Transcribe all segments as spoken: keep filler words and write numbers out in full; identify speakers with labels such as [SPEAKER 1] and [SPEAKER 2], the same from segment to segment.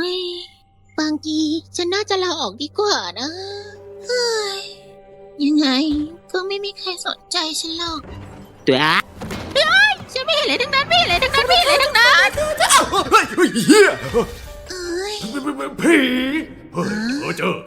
[SPEAKER 1] ยบางทีฉันน่าจะลาออกดีกว่านะเฮ้ยยังไงก็ไม่มีใครสนใจฉันหรอก
[SPEAKER 2] ตัวอะ
[SPEAKER 1] ฉันไม่เห็นอะไรทั้งนั้นไม่เห็นอะไรทั้งนั้นไม่เห็นอะไรทั้งนั้น
[SPEAKER 3] เฮ้ยเฮ้ยเฮีย
[SPEAKER 1] เอ้ย
[SPEAKER 3] ผีเฮ้ยเออเจอ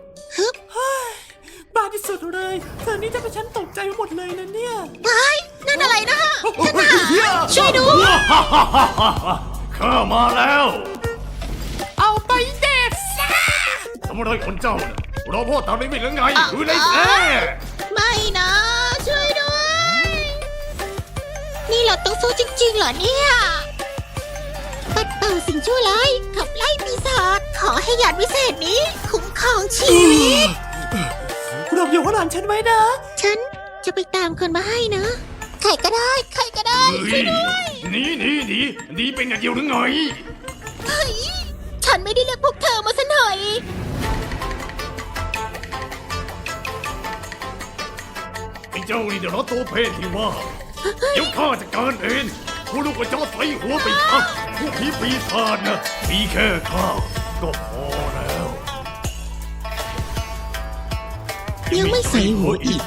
[SPEAKER 4] บ้าที่สุดเลยเธอนี่จะเป็นฉันตกใจหมดเลยนะเนี่ย
[SPEAKER 1] เฮ้ยนั่นอะไรนะ
[SPEAKER 3] เฮ้ยเฮีย
[SPEAKER 1] ช่วยดู
[SPEAKER 3] ข้ามาแล้ว
[SPEAKER 4] เอาไปเด็ดซะ
[SPEAKER 3] ทำอะไรคนเจ้าเนี่ยรอพ่อตามไม่มีหรือไงหรือไรแท้
[SPEAKER 1] ไม่นะช่วยด้วย นี่เราต้องสู้จริงๆเหรอเนี่ยปัดเป่าสิ่งชั่วร้ายขับไล่ปีศาจขอให้ยานวิเศษนี้คุ้มครองชีวิต
[SPEAKER 4] หลบอยู่ข้างหลังฉันไว้นะ
[SPEAKER 1] ฉันจะไปตามคนมาให้นะ ใครก็ได้ ใครก็ได้
[SPEAKER 3] เฮ้ยหนีหนีหนีหนีเป็นอย่างเดียวหรือไง
[SPEAKER 1] เฮ้ย ฉันไม่ได้เรียกพวกเธอมาซะหน่อย
[SPEAKER 3] ไอ้เจ้านี่เดี๋ยวเราตัวเพศที่ว่าเดี๋ยวข้าจะการเองผู้ลูกกระจอกใส่หัวไปทักผู้ผีปีศาจนะมีแค่ข้าก็พอแล้ว
[SPEAKER 2] ยังไม่ใส่หัวอีก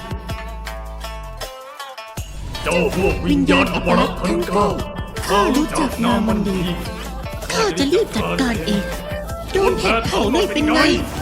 [SPEAKER 3] เจ้าพวกวิญญาณอปรักษ์ทั้งเก้าข้ารู้จักนามมันดี
[SPEAKER 1] ข้าจะรีบจัดการเอง โดนเห็ดเผาหน่อยเป็นไง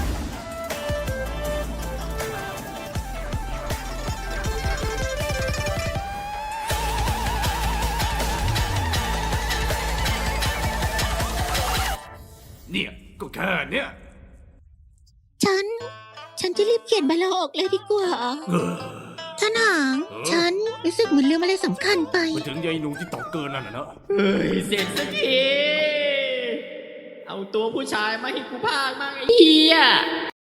[SPEAKER 3] เนี่ยก็แค่เนี้ย
[SPEAKER 1] ฉัน ฉันจะรีบเขียนใบลาออกเลยดีกว่า
[SPEAKER 3] เออ
[SPEAKER 1] ท่านหาง ฉันรู้สึกเหมือนลืมอะไรสำคัญไป
[SPEAKER 3] ไปถึงยายหนูที่ตอกเกินนั่นน่ะนะ
[SPEAKER 5] เฮ้ยเสร็จสักทีเอาตัวผู้ชายมาให้กูพากมั่งไอ้เหี้ย